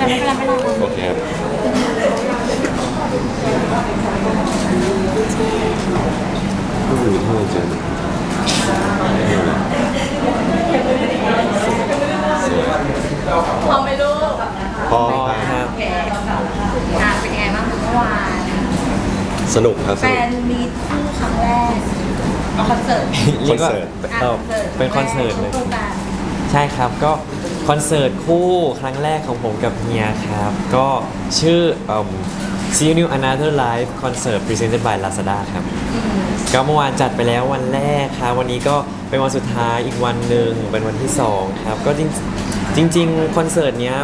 โอเคครับผู้หญิงที่เราเจอพอไหมลูกพอครับโอเคเป็นยังไงบ้างเมื่อวานสนุกครับแฟนมีตคู่ครั้งแรกเอาคอนเสิร์ตเรียกว่าเป็นคอนเสิร์ตเลย ใช่ครับก็คอนเสิร์ตคู่ครั้งแรกของผมกับเฮียครับ ก็ชื่อSee You New Another Life Concert Presented by Lazada ครับ ก็เมื่อวานจัดไปแล้ววันแรกครับวันนี้ก็เป็นวันสุดท้ายอีกวันหนึ่งเป็นวันที่2ครับก็จริงคอนเสิร์ตเนี้ย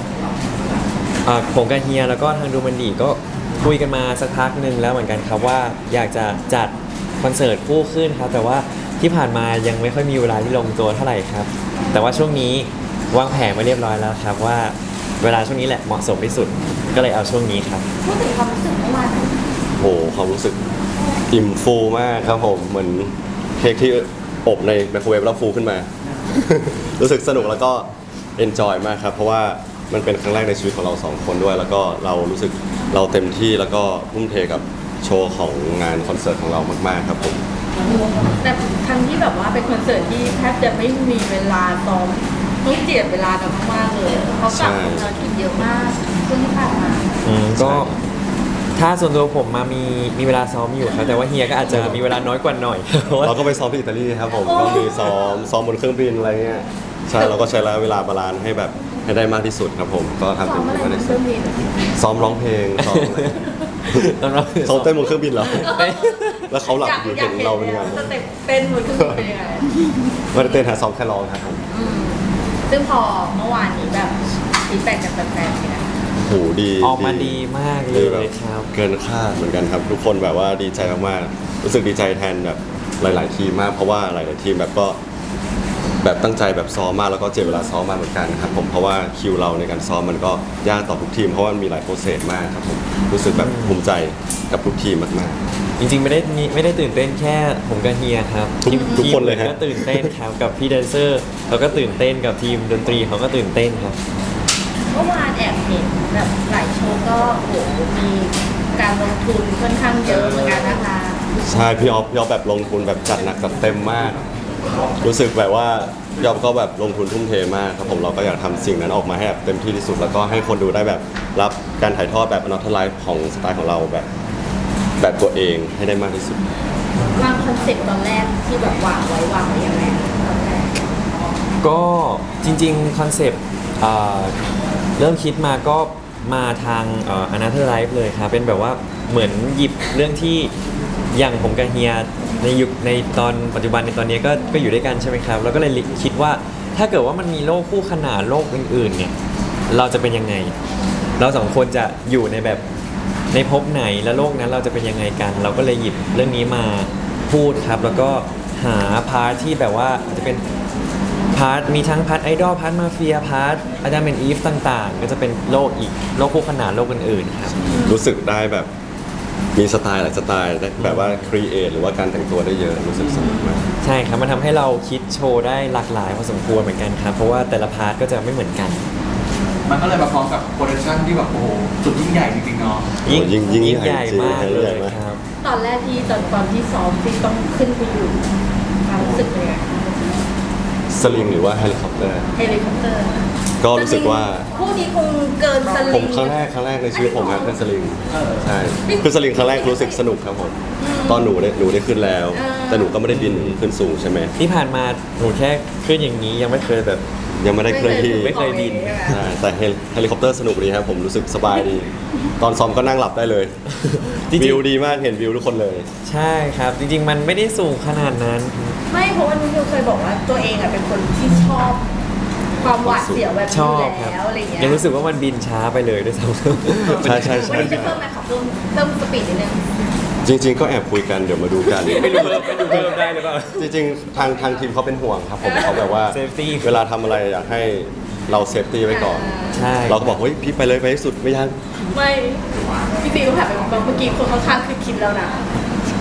ผมกับเฮียแล้วก็ทางดูมันดีก็คุยกันมาสักพักหนึ่งแล้วเหมือนกันครับว่าอยากจะจัดคอนเสิร์ตคู่ขึ้นครับแต่ว่าที่ผ่านมายังไม่ค่อยมีเวลาที่ลงตัวเท่าไหร่ครับแต่ว่าช่วงนี้วางแผนมาเรียบร้อยแล้วครับว่าเวลาช่วงนี้แหละเหมาะสมที่สุดก็เลยเอาช่วงนี้ครับพูดถึงความรู้สึกเมื่อวานโหความรู้สึกอิ่มฟูมากครับผมเหมือนเค้กที่อบในไมโครเวฟแล้วฟูขึ้นมา รู้สึกสนุกแล้วก็เอนจอยมากครับเพราะว่ามันเป็นครั้งแรกในชีวิตของเรา2คนด้วยแล้วก็เรารู้สึกเราเต็มที่แล้วก็ทุ่มเทกับโชว์ของงานคอนเสิร์ตของเรามากๆครับผมแต่ทั้งที่แบบว่าเป็นคอนเสิร์ตที่แทบจะไม่มีเวลาซ้อมต้องเจียดเวลากันมากๆเลยเขากลับมาภารกิจเยอะมากช่วงที่ผ่านมาก็ถ้าส่วนตัวผมมามีเวลาซ้อมอยู่ครับแต่ว่าเฮียก็อาจจะมีเวลาน้อยกว่าหน่อย เพราะว่าเราก็ไปซ้อมที่อิตาลีครับผมก็มีซ้อมบนเครื่องบินอะไรเงี้ยใช่เราก็ใช้เวลาบาลานซ์ให้แบบให้ได้มากที่สุดครับผมก็ทำซ้อเต็มมอะไรที่บมากนที่เคสุรื่ดองบินซ้อมร้องเพลงซ้อมอะไรตอนเราซ้อมเต้นบนเครื่องบินเหรอแล้วเขาหลับอยู่เห็นเราเป็นไงสเต็ปเต้นบนเครื่องบินเป็นยังไงไม่ได้เต้นหาซ้อมแค่ร้องครับผมซึ่งพอเมื่อวานนี้แบบฟีดแบ็กจากแฟนๆเป็นไงโหดีออกมาดีมากเลดียแบบครับเกินคาดเหมือนกันครับ ทุกคนแบบว่าดีใจมากๆรู้สึกดีใจแทนแบบหลาย ๆ ทีมมากเพราะว่าหลาย ๆ ทีมแบบก็แบบตั้งใจแบบซ้อมมากแล้วก็เจ็บเวลาซ้อมมาเหมือนกันครับผมเพราะว่าคิวเราในการซ้อมมันก็ยากต่อทุกทีมเพราะว่ามันมีหลายโปรเซสมากครับผมรู้สึกแบบภูมิใจกับทุกทีมมากจริงๆไม่ได้ตื่นเต้นแค่ผมกับเฮียครับทุกคนเลยฮะทีมก็ตื่นเต้นครับกับพี่แดนเซอร์เขาก็ตื่นเต้นกับทีมดนตรีเขาก็ตื่นเต้นครับเมื่อวานแอบเห็นแบบหลายโชว์ก็โอ้โหมีการลงทุนค่อนข้างเยอะเหมือนกันนะคะๆใช่พี่ออฟแบบลงทุนแบบจัดหนักจัดเต็มมาก รู้สึกแบบว่าพี่ออฟก็แบบลงทุนทุ่มเทมากครับผมเราก็อยากทำสิ่งนั้นออกมาให้แบบเต็มที่ที่สุด แล้วก็ให้คนดูได้แบบรับการถ่ายทอดแบบ Another Life ของสไตล์ของเราแบบตัวเองให้ได้มากที่สุดวางคอนเซ็ปต์ตอนแรกที่แบบวางไว้ยังไงตอนแรกก็จริงๆคอนเซปต์เริ่มคิดมาก็มาทางAnother Life เลยครับเป็นแบบว่าเหมือนหยิบเรื่องที่อย่างผมกับเฮียในยุคในตอนปัจจุบันในตอนนี้ก็อยู่ด้วยกันใช่ไหมครับแล้วก็เลยคิดว่าถ้าเกิดว่ามันมีโลกคู่ขนานโลกอื่นๆเนี่ยเราจะเป็นยังไง เราสองคนจะอยู่ในแบบในภพไหนและโลกนั้นเราจะเป็นยังไงกัน เราก็เลยหยิบเรื่องนี้มาพูดครับแล้วก็หาพาร์ทที่แบบว่าอาจจะเป็นพาร์ทมีทั้งพาร์ทไอดอลพาร์ทมาเฟียพาร์ทอาจจะเป็นอีฟต่างๆ ก็จะเป็นโลกอีกโลกคู่ขนานโลกอื่นๆครับรู้สึกได้แบบมีสไตล์หลายสไตล์ได้แบบว่าครีเอทหรือว่าการแต่งตัวได้เยอะรู้สึกสนุกมากใช่ครับมันทำให้เราคิดโชว์ได้หลากหลายพอสมควรเหมือนกันครับเพราะว่าแต่ละพาร์ทก็จะไม่เหมือนกันมันก็เลยมาพร้อมกับโปรดักชั่นที่แบบโอ้โหสุดยิ่งใหญ่จริงๆเนาะยิ่งใหญ่ใหญ่จริงมากยิ่งเลใหญ่ยมากครับตอนแรกที่ตอนที่ซ้อมที่ต้องขึ้นไปอยู่ความรู้สึกเป็นยังไงสลิงหรือว่าเฮลิคอปเตอร์เฮลิคอปเตอร์ก็รู้สึกว่าคู่นี้คงเกินสลิงผมครั้งแรกในชีวิตผมครับขึ้นสลิงใช่ขึ้นสลิงครั้งแรกรู้สึกสนุกครับผมตอนหนูได้ขึ้นแล้ว แต่หนูก็ไม่ได้บินขึ้นสูงใช่ไหมที่ผ่านมาหนูแค่ขึ้นอย่างนี้ยังไม่เคยแบบยังไม่ได้เคลื่อนที่ไม่เคยบินใช่แต่เฮลิคอปเตอร์สนุกดีครับผมรู้สึกสบายดี ตอนซ้อมก็นั่งหลับได้เลยจริงๆวิวดีมากเห็นวิวทุกคนเลยใช่ครับจริงๆมันไม่ได้สูงขนาดนั้นไม่เพราะว่านุ้ยเคยบอกว่าตัวเองเป็นคนที่ชอบความหวาดเสียวแบบชนี้ออบครับแล้วอะไรเงี้ยยังรู้สึกว่ามันบินช้าไปเลยด้วยซ้ำใช่ใช่วันใช่นี้จะเพิ่มไหมขอเพิ่มสปีดนิดนึงจริง ๆ ก็แอบคุยกันเดี๋ยวมาดูกันไม่รู้เพิ่มได้หรือเปล่าจริงๆทางทีมเขาเป็นห่วงครับผมเขาแบบว่า Safety เวลาทำอะไรอยากให้เราเซฟตี้ไว้ก่อนใช่เราก็บอกเฮ้ยพี่ไปเลยไปให้สุดไม่ยากไม่พี่ตีก็ผ่านไปบอกเมื่อกี้คนข้างๆคือคิดแล้วนะ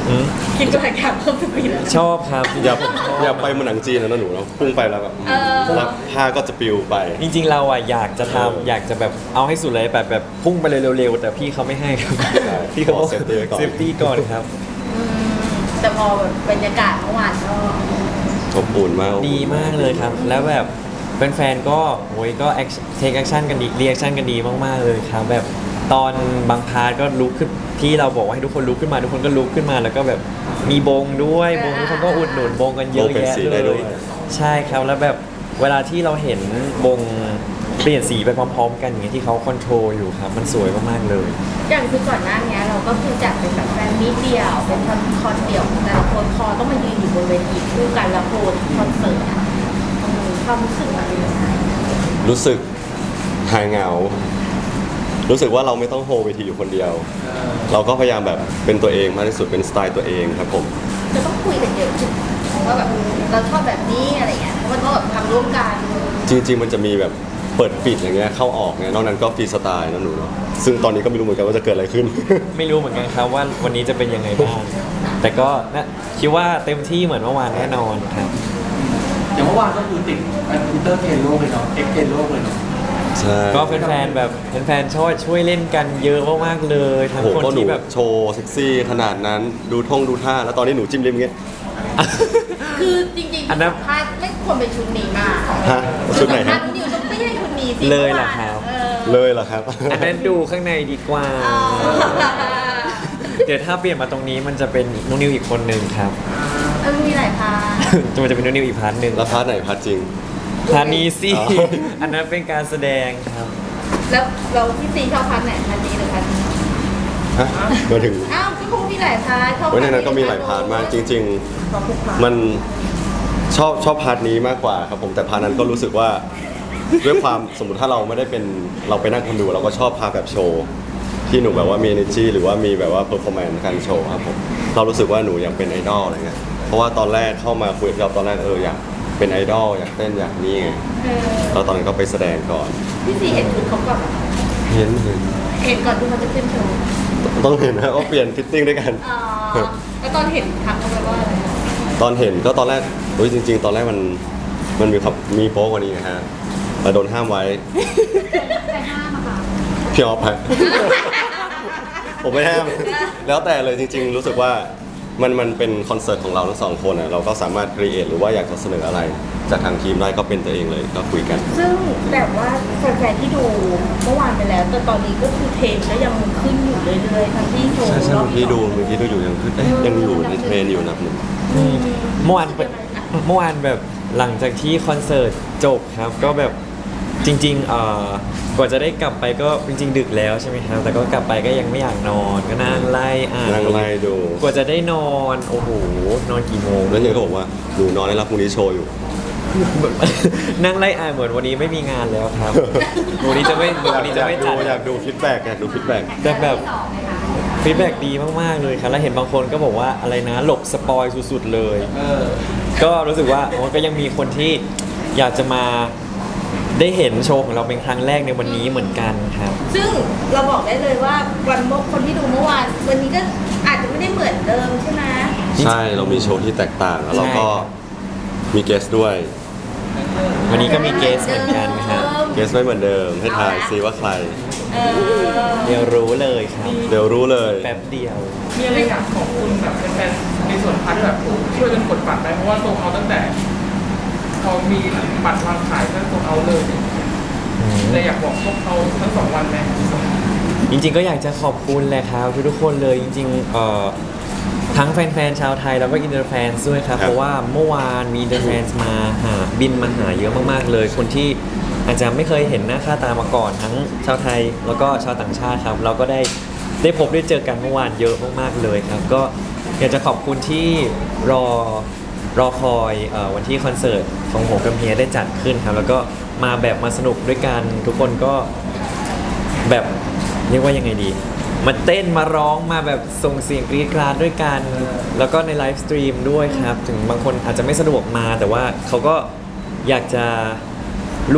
อืมคิดว่าอยากเพิ่มสปีดแล้วชอบครับอย่าไปเหมือนหนังจีนนะหนูเราพุ่งไปแล้วแบบเออแล้วผ้าก็จะปลิวไปจริงๆเราอ่ะอยากจะเออทำอยากจะแบบเอาให้สุดเลยแบบพุ่งไปเลยเร็วๆแต่พี่เขาไม่ให้ครับใช่พี่เขาขอ safety ไว้ก่อนเซฟตี้ก่อนครับอืมแต่พอแบบบรรยากาศเมื่อวานก็อบอุ่นมากดีมากเลยครับ แล้วแบบแฟนๆก็โอ้ยก็เทคแอคชั่นกันดีเรีแอคชั่นกันดีมากๆเลยครับ แบบตอนบางพาร์ทก็ลุกขึ้นที่เราบอกว่าให้ทุกคนลุกขึ้นมาทุกคนก็ลุกขึ้นมา แล้วก็แบบมีบงด้วยบงทุกคนก็อุดหนุนบงกันเยอะบงเป็นแยะสีเลได้ด้ยวยใช่ครับแล้วแบบเวลาที่เราเห็นบงเปลี่ยนสีไปพร้อมๆ กันอย่างเงี้ยที่เขาคอนโทรลอยู่ครับมันสวยมากๆเลยอย่างคือก่อนหน้านี้เราก็คือจัดเป็นแบบแฟนมิตเดียวเป็นคอนเดี่ยวแต่ละคนคอต้องมายืนอยู่บนเวทีคู่กันแล้วโพสคอนเสิร์ตอะความรู้สึกมันเป็นยังไงรู้สึกหายเหงา รู้สึกว่าเราไม่ต้องโฮเวทีอยู่คนเดียว เราก็พยายามแบบเป็นตัวเองมากที่สุดเป็นสไตล์ตัวเองครับผมจะต้องคุยกันเยอะขึ้นว่าแบบเราชอบแบบนี้อะไรเงี้ยเพราะมันก็แบบทำร่วมกันจริงๆมันจะมีแบบเปิดปิดอย่างเงี้ยเข้าออกเนี่ยนอกนั้นก็ฟรีสไตล์นะหนูเนาะซึ่งตอนนี้ก็ไม่รู้เหมือนกันว่าจะเกิดอะไรขึ้นไม่รู้เหมือนกันครับว่าวันนี้จะเป็นยังไงบ้าง แต่ก็นะคิดว่าเต็มที่เหมือนเมื่อวานแน่นอนครับอย่างเมื่อวานก็คือติดอินเตอร์เทนโลกเลยเนาะเอ็กเทนโลกเลยเนาะใช่ก็แฟนๆแบบแฟนๆช่วยเล่นกันเยอะมากๆเลยทั้งโอ้โหคนก็หนูที่แบบโชว์เซ็กซี่ขนาดนั้นดูท่าแล้วตอนนี้หนูจิ้มลิ้มอย่างเงี้ยคือจริงๆอันนั้นสัมภาษณ์ไม่ควรเป็นชุดนี้มาฮะชุดไหนสัมภาฮะษณ์นิวต้องไม่ใช่ชุดนี้สิเลยเหรอครับเออเลยเหรอครับอันนั้นดูข้างในดีกว่าอ๋อเดี๋ยวถ้าเปลี่ยนมาตรงนี้มันจะเป็นนุนิวอีกคนหนึ่งครับเออมีหลายพาร์ทมันจะเป็นนุนิวอีกพาร์ทหนึ่งแล้วพาร์ทไหนพาร์ทจริงพาร์ทนี้สิอ๋ออันนั้นเป็นการแสดงครับแล้วเราที่ซีชอบพาร์ทไหนพาร์ทนี้หรือพาร์ทนี้ฮะมาถึงอ้าวก็คงมีหลายพาร์ทชอบเว้ยในนั้นก็มีหลายพาร์ทมากจริงชอบทุกพาร์ทๆ มันชอบพาร์ทนี้มากกว่าครับผมแต่พาร์ทนั้นก็รู้สึกว่าด้วยความสมมติถ้าเราไม่ได้เป็นเราไปนั่งคนดูเราก็ชอบพาร์ทแบบโชว์ที่หนูแบบว่ามี energy หรือว่ามีแบบว่า performance การโชว์ครับผมเรารู้สึกว่าหนูอยากเป็นไอดอลอะไรเงี้ยเพราะว่าตอนแรกเข้ามาคุยกับเราตอนแรกอยากเป็นไอดอลอยากเต้นอยากนี่ไงเออแล้วตอนนั้นก็ไปแสดงก่อนพี่ซีเห็นชุดเขาก่อนเห็นเห็นก่อนที่เขาจะขึ้นโชว์ต้องเห็นนะว่าเปลี่ยนฟิตติ้งด้วยกันอ๋อแล้วตอนเห็นทักเขาไปว่าอะไรตอนเห็นก็ตอนแรกจริง ๆ ตอนแรกมันมีโป๊กว่านี้นะฮะแต่โดนห้ามไว้ใครห้ามอะคะพี่ออฟฮะ ผมไม่ห้าม แล้วแต่เลยจริง ๆ รู้สึกว่ามันเป็นคอนเสิร์ตของเราทั้งสองคนอ่ะเราก็สามารถครีเอทหรือว่าอยากจะเสนออะไร จากทางทีมได้ก็เป็นตัวเองเลยก็คุยกันซึ่งแบบว่าแฟนๆที่ดูเมื่อวานไปแล้ว แต่ตอนนี้ก็คือเทรนก็ยังขึ้นอยู่เรื่อยๆทั้งที่โชว์ใช่ใช่รอบเมื่อกี้ดูอยู่ยังขึ้นยังอยู่ในเทรนอยู่นะหนึ่งเมื่อวานแบบหลังจากที่คอนเสิร์ตจบครับก็แบบจริงกว่าจะได้กลับไปก็จริงๆดึกแล้วใช่ไหมครับแต่ก็กลับไปก็ยังไม่อยากนอนก็นั่งไล่อ่านนั่งไล่ดูกว่าจะได้นอนโอ้โหนอนกี่โมงแล้วเนี่ยก็บอกว่าหนูนอนได้แล้วพรุ่งนี้โชว์อยู่นั่งไล่อ่านเหมือนวันนี้ไม่มีงานแล้วครับวันนี้จะไม่จัดอยากดูฟีดแบ็กอยากดูฟีดแบ็กแต่แบบฟีดแบ็กดีมากๆเลยครับแล้วเห็นบางคนก็บอกว่าอะไรนะหลบสปอยสุดๆเลย ก็รู้สึกว่ามันก็ยังมีคนที่อยากจะมาได้เห็นโชว์ของเราเป็นครั้งแรกในวันนี้เหมือนกันครับซึ่งเราบอกได้เลยว่าวันเมื่อคนที่ดูเมื่อวานวันนี้ก็อาจจะไม่ได้เหมือนเดิมใช่ไหมใช่เรามีโชว์ที่แตกต่างแล้วเราก็ใช่ครับมีเกสด้วยวันนี้ก็มีเกสเหมือนกันครับเกสไม่เหมือนเดิมให้ทายซิว่าใครเออเดี๋ยวรู้เลยครับเดี๋ยวรู้เลยแป๊บเดียวมีอะไรอยากขอบคุณแบบแฟนๆในส่วนพาร์ทที่แบบช่วยกันกดบัตรไปเพราะว่าโซลเอาตั้งแต่ พอมีบัตรวางขายก็โซลเอาเลยแต่อยากบอกพวกเขาทั้งสองวันไหมจริงๆก็อยากจะขอบคุณแหละครับทุกๆคนเลยจริงๆทั้งแฟนๆชาวไทยแล้วก็อินเตอร์แฟนด้วยครับครับเพราะว่าเมื่อวานมีอินเตอร์แฟนมาหาบินมาหาเยอะมากๆเลย คนที่อาจจะไม่เคยเห็นหน้าค่าตามาก่อนทั้งชาวไทยแล้วก็ชาวต่างชาติครับ เราก็ได้พบได้เจอกันเมื่อวานเยอะมากๆเลยครับ ก็อยากจะขอบคุณที่รอคอยวันที่คอนเสิร์ตของผมกับเฮียได้จัดขึ้นครับ แล้วก็มาแบบมาสนุกด้วยกันทุกคนก็แบบเรียกว่ายังไงดี มาเต้นมาร้องมาแบบส่งเสียงกรี๊ดกราดด้วยกัน แล้วก็ในไลฟ์สตรีมด้วยครับ ถึงบางคนอาจจะไม่สะดวกมาแต่ว่าเขาก็อยากจะร่วม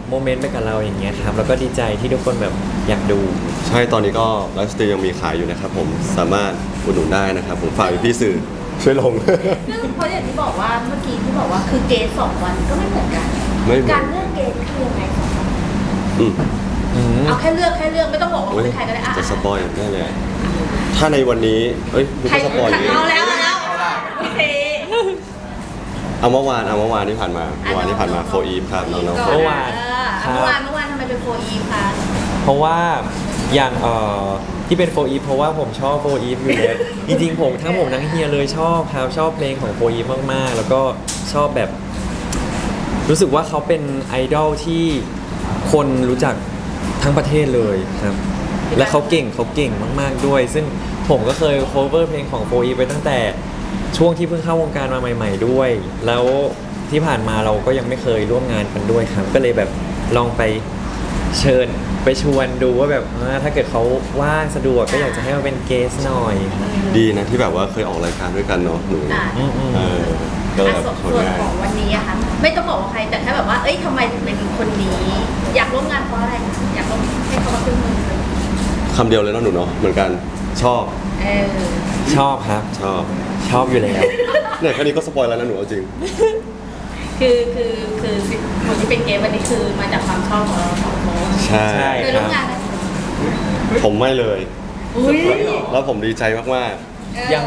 โมเมนต์ไปกับเราอย่างเงี้ยครับแล้วก็ดีใจที่ทุกคนแบบอยากดูใช่ตอนนี้ก็ไลฟ์สตรีมยังมีขายอยู่นะครับผมสามารถอุดหนุนได้นะครับผมฝากพี่ๆสื่อช่วยลงซึ่งเพราะอย่างที่บอกว่าเมื่อกี้ที่บอกว่าคือเกณฑ์2 วันก็ไม่เหมือนกันไม่เหมือนการเลือกเกณฑ์คือยังไงสองวันอืมเอาแค่เลือกไม่ต้องบอกว่าเขาเป็นใครก็ได้อ่ะจะสปอยได้เลยอะถ้าในวันนี้เอ้ยไม่ใครใช่สปอยอย่างนี้เอาแล้วโอเคเอาเมื่อวานที่ผ่านมาโฟอีฟครับน้องๆเมื่อวานเมื่อวานทำไมเป็นโฟอีฟคะเพราะว่าอย่างที่เป็นโฟอีฟเพราะว่าผมชอบโฟอีฟอยู่แล้ว จริงๆผมทั้งเฮียเลยชอบครับชอบเพลงของโฟอีฟมากๆ แล้วก็ชอบแบบ รู้สึกว่าเขาเป็นไอดอลที่คนรู้จักทั้งประเทศเลยครับ และเขาเก่งมากๆด้วย ซึ่งผมก็เคย cover เพลงของโฟอีฟไปตั้งแต่ช่วงที่เพิ่งเข้าวงการมาใหม่ ๆด้วย แล้วที่ผ่านมาเราก็ยังไม่เคยร่วมงานกันด้วยครับ ก็เลยแบบลองไปเชิญไปชวนดูว่าแบบถ้าเกิดเขาว่างสะดวกก็อยากจะให้มาเป็นเกสหน่อยดีนะที่แบบว่าเคยออกรายการด้วยกันเนาะหนูอ่ะเออก็เลยแบบส่ชวนวนง่ายของวันนี้อะค่ะไม่ต้องบอกว่าใครแต่แค่แบบว่าเอ้ยทำไมถึงเป็นคนนี้ อยากร่วมงานเพราะอะไรอยากร่วมให้เขามาขึ้นมือคำเดียวเลยเนาะหนูเนาะเหมือนกันชอบเออชอบครับชอบชอบอยู่แล้วเนี่ยแค่นี้ก็สปอยแล้วนะหนูเอาจริงคือคนที่เป็นเกมวันนี้คือมาจากความชอบของเราสองคนใช่ใช่เคยร่วมงานไหมผมไม่เลยอุ้ยแล้วผมดีใจมากยัง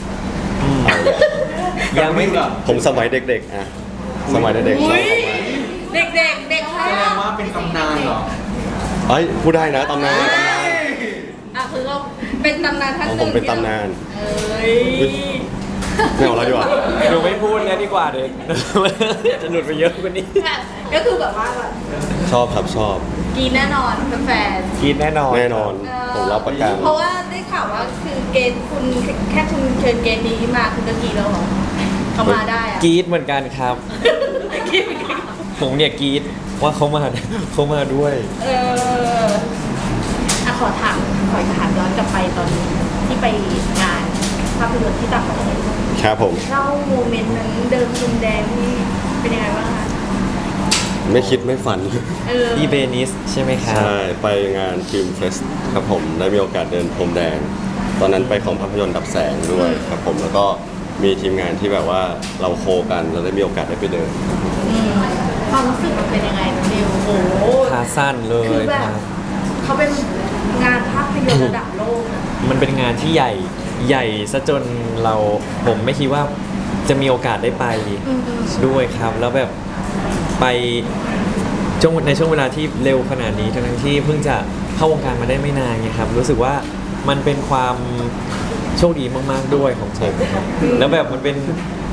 ยังไม่ๆ ผมสมัยเด็กๆอะสมัยเด็กๆชอบมากเด็กแสดงว่าเป็นตำนานเหรอเอ้ยพูดได้นะตำนานอ่ะคือเราเป็นตำนานท่านของหผนึ่มงเป็นตำนานเอ้ยไม่เอาแล้วดีกว่าหนูไม่พูดแล้วดีกว่าเด็ก จะหลุดไปเยอะกว่านี้ก็คือแบบว่าแบบชอบครับชอบกินแน่นอนแฟนคิดแน่นอนแน่นอนๆผมรับประกันเพราะว่าได้ข่าวว่าคือเกณฑ์คุณแค่คุณเชิญเกณฑ์นี้มาคุณก็กีแล้วเหรอเขามาได้อะกรีดเหมือนกันครับกีดผมเนี่ยกรีดว่าเขามา เขามาด้วยอ่ะขอถามย้อนกลับไปตอนที่ไปงานภาพยนตร์ที่ต่างประเทศครับผมเล่าโมเมนต์นั้นเดินพรมแดงนี่เป็นยังไงบ้างคะไม่คิดไม่ฝันที่เบนิสใช่ไหมครับใช่ไปงานฟิล์มเฟสครับผมได้มีโอกาสเดินพรมแดง ตอนนั้นไปของภาพยนตร์ดับแสงด้วยครับผมแล้วก็มีทีมงานที่แบบว่าเราโคกันเราได้มีโอกาสได้ไปเดินความรู้สึกมันเป็นยังไงน้องดิวโอ้โหขาสั้นเลคือย แบคบรับเขาเป็นงานภาพยนตร์ระดับโลกอะมันเป็นงานที่ใหญ่ซะจนผมไม่คิดว่าจะมีโอกาสได้ไปด้วยครับ แล้วแบบไปในช่วงเวลาที่เร็วขนาดนี้ทั้งที่เพิ่งจะเข้าวงการมาได้ไม่นานไงครับ รู้สึกว่ามันเป็นความโชคดีมากๆด้วยของผมครับแล้วแบบมันเป็น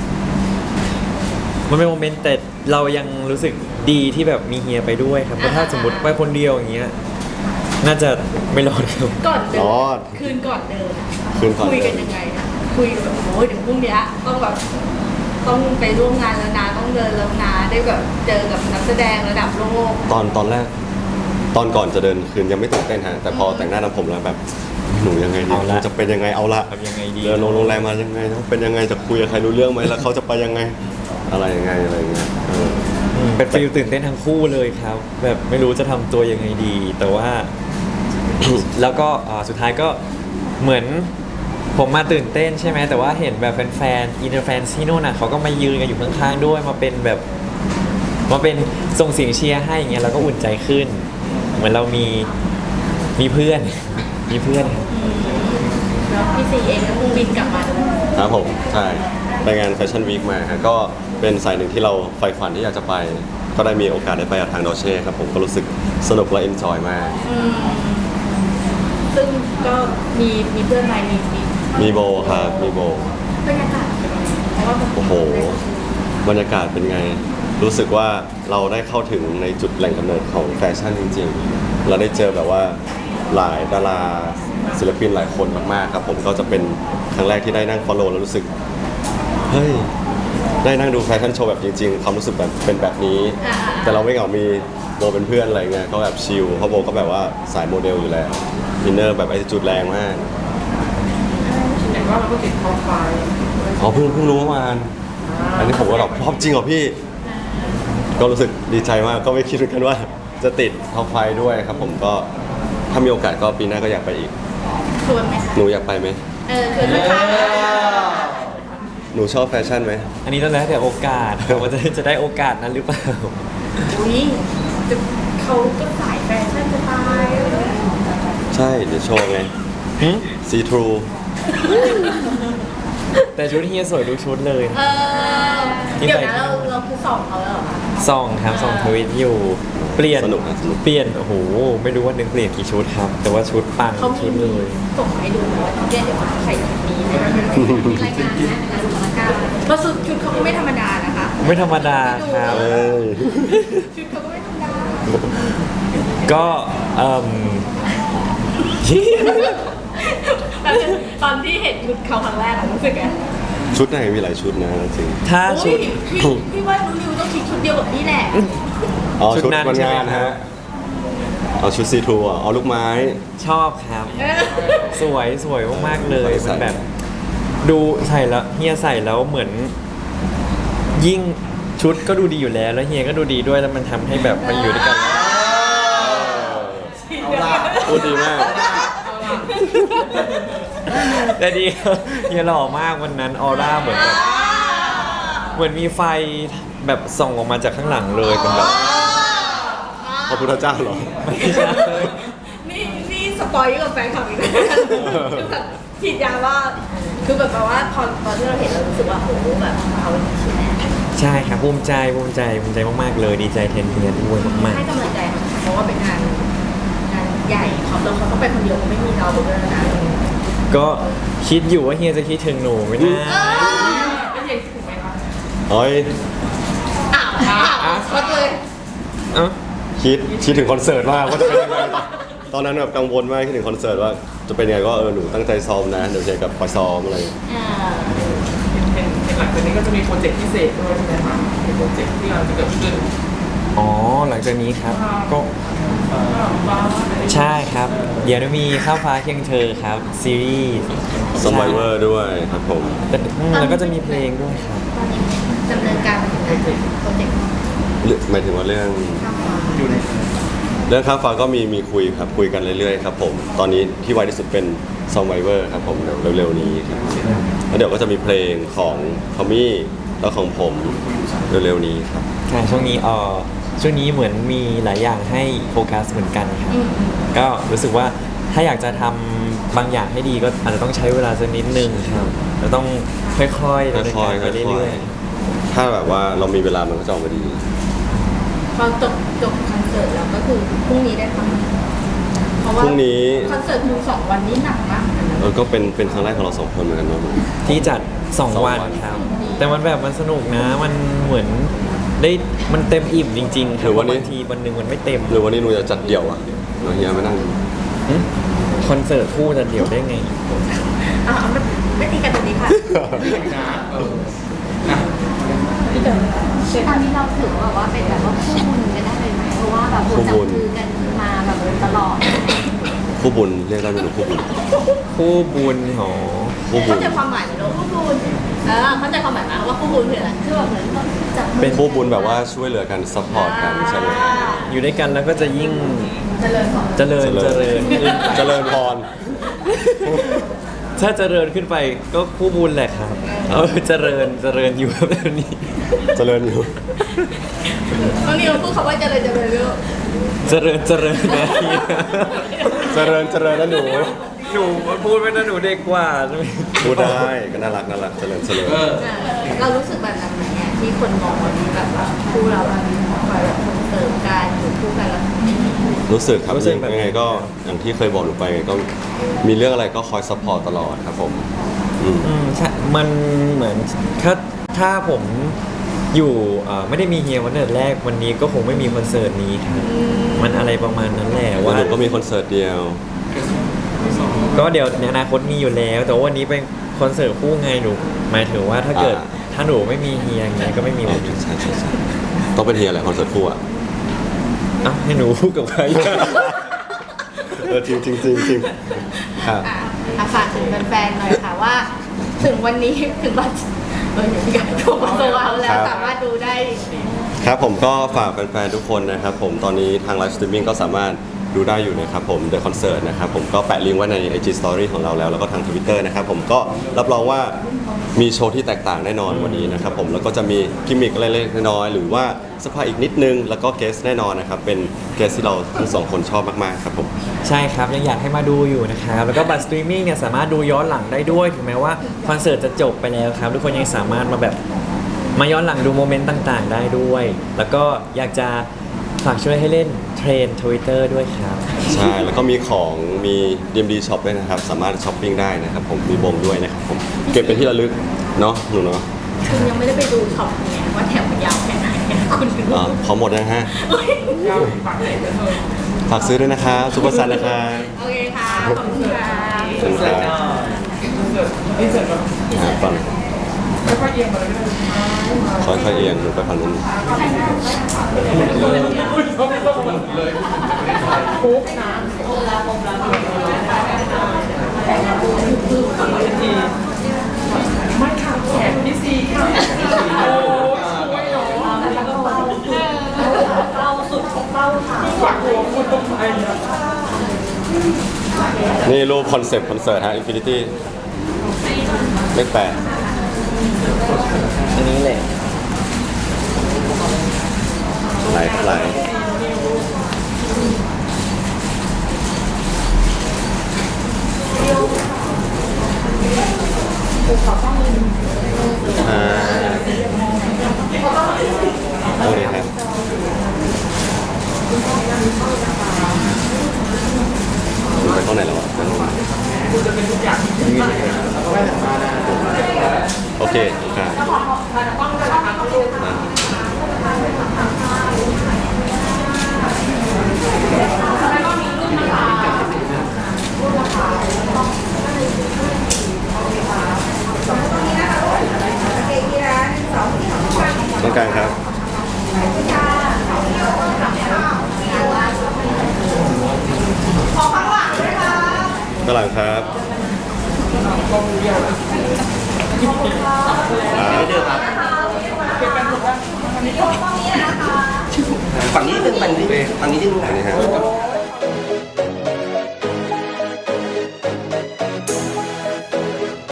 โมเมนต์แต่เรายังรู้สึกดีที่แบบมีเฮียไปด้วยครับเพราะถ้าสมมติไปคนเดียวอย่างเงี้ยน่าจะไม่รอดครับก่อนเดิรอดคืนก่อนเดินอะคืนก่อนเดินคุยกันยังไงอะคุยแบบโอ้ยเดี๋ยวพรุ่งเนี้ยต้องแบบต้องไปร่วมงานแล้วนะต้องเดินแล้วนะได้แบบเจอกับนักแสดงระดับโลกตอนแรกตอนก่อนจะเดินคืนยังไม่ตื่นเต้นฮะแต่พอแต่งหน้าทำผมแล้วแบบหนูยังไงดีเอาละจะเป็นยังไงเอาละทำยังไงดีเดินลงโรงแรมมายังไงเป็นยังไงจะคุยกับใครรู้เรื่องไหมแล้วเขาจะไปยังไงอะไรยังไงอะไรอย่างเงี้ยเออเป็นฟีลตื่นเต้นทั้งคู่เลยครับ แบบไม่รู้จะทำตัวยังไงดี แต่ว่า แล้วก็สุดท้ายก็เหมือนผมมาตื่นเต้นใช่ไหมแต่ว่าเห็นแบบแฟนๆอินเตอร์แฟนที่นู่นน่ะเขาก็มายืนกันอยู่ข้างๆด้วยมาเป็นแบบมาเป็นส่งเสียงเชียร์ให้อย่างเงี้ยเราก็อุ่นใจขึ้น เหมือนเรามีเพื่อน มีเพื่อนครับแล้วพี่ซีเองก็คงบินกลับมาด้วยครับผมใช่ไปงานแฟชั่นวีคมาฮะก็เป็นสายหนึ่งที่เราใฝ่ฝันที่อยากจะไป ก็ได้มีโอกาสได้ไปกับทางดอเช่ครับผมก็รู้สึกสนุกและเอนจอยมากซึ่งก็มีเพื่อนใหม่มีมีโบครับมีโบบรรยากาศเป็นยังไงเพราะว่ามันโอ้โหบรรยากาศเป็นไง รู้สึกว่าเราได้เข้าถึงในจุดแหล่งกำเนิดของแฟชั่นจริงๆ เราได้เจอแบบว่าหลายดาราศิลปินหลายคนมากๆครับผมก็จะเป็นครั้งแรกที่ได้นั่ง follow แล้วรู้สึกเฮ้ยได้นั่งดูแฟชั่นโชว์แบบจริงๆความรู้สึกแบบเป็นแบบนี้ แต่เราไม่เหงามีโบเป็นเพื่อนอะไรเงี้ยก็แบบชิลเพราะโบก็แบบว่าสายโมเดลอยู่แล้วอินเนอร์แบบไอจุดแรงมากเห็นว่าเราก็ติดท็อปไฟว์อ๋อเพิ่งรู้เมื่อวานอันนี้ผมก็แบบชอบจริงเหรอพี่ ก็รู้สึกดีใจมากก็ไม่คิดเหมือนกันว่าจะติดท็อปไฟด้วยครับผมก็ถ้ามีโอกาสก็ปีหน้าก็อยากไปอีกชวนไหมคะหนูอยากไปไหมชวนลูกค้าหนูชอบแฟชั่นไหมอันนี้ต้องแล้วแต่โอกาสว่าจะได้โอกาสนั้นหรือเปล่าอุ้ยจะเขาก็สายแฟชั่นจะตายเลยใช่เดี๋ยวโชว์ไงซีทรูแต่ชุดเฮียสวยทุกชุดเลยเดี๋ยวนะเราคือสอบเขาแล้วเหรอคะส่องครับส่องทวิตอยู่ เปลี่ยนสนุกนะสนุกเปลี่ยนโอ้โหไม่รู้ว่านึงเปลี่ยนกี่ชุดครับ แต่ว่าชุดปังเขาชุดมีเลยส่งมาให้ดูไหมว่าเดี๋ยวใส่ชุดนี้ในรายการนะงานสถานการณ์เพราะชุดเขาก็ไม่ธรรมดานะคะไม่ธรรมดาครับเอ้ยชุดเขาก็ไม่ธรรมดาก็ตอนที่เห็นชุดเขาครั้งแรกอะรู้สึกไงชุดไหนมีหลายชุดนะจริงถ้าชุดพี่ว่ารู้นิวต้องคิดชุดเดียวกับนี่แหละอ๋อชุชุดดนั้นวันใช่ไหมงานครัฮะบเอาชุดซีทรูอ่ะเอาลูกไม้ชอบครับ สวยสวยมากๆเลยใส่มันแบบ ดูใส่แล้วเฮียใส่แล้วเหมือน ยิ่งชุดก็ดูดีอยู่แล้ว แล้วเฮียก็ดูดีด้วยแล้วมันทำให้แบบมันอยู่ด้วยกันแล้วเอาล่ะพูดดีมากแต่ดีครับเฮียหล่อมากวันนั้นออร่าเหมือนแบบเหมือนมีไฟแบบส่องออกมาจากข้างหลังเลยเป็นแบบพระพุทธเจ้าเหรอไม่ใช่นี่สปอยล์กับแฟนคลับอีกแล้วคือแบบฉีดยาว่าคือแบบว่าตอนที่เราเห็นเรารู้สึกว่าโอ้โหแบบเขาใช่ไหมใช่ครับภูมิใจมากๆเลยดีใจแทนเฮียด้วยมากให้กำลังใจเขาเพราะว่าเป็นงานใหญ่เขาต้องไปคนเดียวไม่มีเราด้วยนะๆก็คิดอยู่ว่าเฮียจะคิดถึงหนูไหมนะเป็นอย่างถูกไหมคะเฮ้ยก็เลยเอ้าคิดถึงคอนเสิร์ตมากว่าจะเป็นยังไงตอนนั้นแบบกังวลมากคิดถึงคอนเสิร์ตว่าจะเป็นยังไงก็หนูตั้งใจซ้อมนะเดี๋ยวเจอกับคอยซ้อมอะไรเป็นหลังจากนี้ก็จะมีโปรเจกต์พิเศษด้วยใช่ไหมคะเป็นโปรเจกต์ที่กำลังจะเกิดขึ้นอ๋อหลังจากนี้ครับก็บ้างใช่ครับ เดี๋ยวจะมีข้าวฟ้าเคียงเธอครับ ซีรีส์ซอมไบเวอร์ด้วยครับผมแล้วก็จะมีเพลงด้วยครับตอนนี้ดำเนินการไปถึงไหนโปรเจกต์หมายถึงว่าเรื่องข้ามฟ้าอยู่ในเรื่องข้ามฟ้าก็มีคุยครับคุยกันเรื่อยๆครับผมตอนนี้ที่ไวที่สุดเป็นซอมไบเวอร์ครับผมเดี๋ยวเร็วๆนี้ครับแล้วเดี๋ยวก็จะมีเพลงของทอมมี่แล้วของผมเร็วๆนี้ครับค่ะช่วงนี้เหมือนมีหลายอย่างให้โฟกัสเหมือนกันครับ ก็รู้สึกว่าถ้าอยากจะทำบางอย่างให้ดีก็อาจจะต้องใช้เวลาสักนิดนึงครับแล้วต้องค่อยๆดำเนินการไปเรื่อยถ้าแบบว่าเรามีเวลามันก็จะออกมาดีพอจบคอนเสิร์ตแล้วก็คือพรุ่งนี้ได้ฟังเพราะว่าพรุ่งนี้คอนเสิร์ตดู2 วันนี้หนักมากเหมือนกันนะก็เป็นครั้งแรกของเราสองคนเหมือนกันเนาะๆที่จัด 2 วันครับ แต่มันแบบมันสนุกนะมันเหมือนได้มันเต็มอิ่มจริงๆครับบางทีวันหนึ่งมันไม่เต็มหรือวันนี้หนูจะจัดเดี่ยวอ่ะเราเฮียไม่นั่งคอนเสิร์ตคู่จะเดี่ยวได้ไงไม่ตีกันตรงนี้ค่ะนะนะตอนนี้เราถือว่าเป็นแบบว่าคู่บุญกันได้เลยไหมเพราะว่าแบบจับมือกันมาแบบตลอดคู่บุญเรียกได้ไหมหนูคู่บุญคู่บุญหอคู่บุเข้าญใจความหมายไหมลูกคู่บุญเข้าใจความหมายไหมว่าคู่บุญคืออะไรคือแบบเหมือนต้องจับมือเป็นคู่บุญแบบว่าช่วยเหลือกันซัพพอร์ตกันใช่ไหมอยู่ด้วยกันแล้วก็จะยิ่งเจริญก่อนเจริญขึ้นเจริญพรถ้าเจริญขึ้นไปก็คู่บุญแหละครับเจริญอยู่แบบนี้เจริญอยู่น้องนิวพูดคำว่าเจริญลูกเจริญนะเฮียเจริญนะหนูหนูพูดไปนะหนูเด็กกว่าใช่ไหมพูดได้ก็น่ารักเจริญเรารู้สึกแบบนั้นไหมเนี่ยที่คนมองว่าแบบว่าคู่เราแบบคอยแบบส่งเสริมกันอยู่คู่กันแล้วรู้สึกครับยังไงก็อย่างที่เคยบอกหนูไปไงก็มีเรื่องอะไรก็คอยซัพพอร์ตตลอดครับผมอืมใช่มันเหมือนถ้าผมอยู่ไม่ได้มีเฮียวันแรกวันนี้ก็คงไม่มีคอนเสิร์ตนี้ครับมันอะไรประมาณนั้นแหละว่าว่าหนูก็มีคอนเสิร์ตเดียวก็เดี๋ยวในอนาคตมีอยู่แล้ว แต่ว่าวันนี้เป็นคอนเสิร์ตคู่ไงหนูหมายถึงว่าถ้าเกิดถ้าหนูไม่มีเฮียไงก็ไม่มีวันนี้ใช่ต้องเป็นเฮียแหละคอนเสิร์ตคู่อ่ะเอ้าให้หนูพูดกับใครจริงครับฝากถึงแฟนๆหน่อยค่ะว่า ถึงวันนี้ถึงบัตรอย่างที่การถูกโซเอาแล้วสามารถดูได้ครับผมก็ฝากแฟนๆทุกคนนะครับผมตอนนี้ทางไลฟ์สตรีมมิ่งก็สามารถดูได้อยู่นะครับผม The Concert นะครับผมก็แปะลิงก์ไว้ใน IG Story ของเราแล้วก็ทาง Twitter นะครับผมก็รับรองว่ามีโชว์ที่แตกต่างแน่นอนวันนี้นะครับผมแล้วก็จะมีกิมมิคอะไรเล็กๆน้อยๆหรือว่าสปายอีกนิดนึงแล้วก็เกสแน่นอนนะครับเป็นเกสที่เราทั้งสองคนชอบมากๆครับผมใช่ครับยังอยากให้มาดูอยู่นะครับแล้วก็บัตรสตรีมมิ่งเนี่ยสามารถดูย้อนหลังได้ด้วยถึงแม้ว่าคอนเสิร์ตจะจบไปแล้วครับทุกคนยังสามารถมาย้อนหลังดูโมเมนต์ต่างๆ ได้ด้วย แล้วก็อยากจะฝากช่วยให้เล่นเทรน Twitter ด้วยครับใช่แล้วก็มีของมี DMD Shop ด้วยนะครับสามารถช้อปปิ้งได้นะครับผมมีบงด้วยนะครับผมเก็บเป็นที่ระลึกเนาะหนูเนาะคุณยังไม่ได้ไปดูช็อปไงว่าแถวมันยาวแค่ไหนคุณถึงพอหมดนะฮะยาวปากไหนจะเธอฝากซื้อด้วยนะครับซุปเปอร์ซันนะครับโอเคค่ะ ขอบคุณค่ะขอบคุณครับนี่เสร็จแบบฟังค่อยๆเอียงมาเลยก็ได้ค่อยๆเอียงหนูไปฝั่งนู้นอุ้ยเขาไม่ต้องมาเลยคุกน้ไม่ค่ะแขนพี่ซีค่ะโอ้ช่วยเนาะฝากหัวคุณตรงไหนอ่ะนี่รูปคอนเซปต์คอนเสิร์ตฮะ Infinity เลข8 อันนี้แหละหลายอ่าโอเคครับคุณไปข้างไหนแล้ววะด้านโน้นโอเคครับต้องการครับข้างหลังครับฝั่งนี้นิดนึงฝั่งนี้นิดนึงอันนี้ฮะ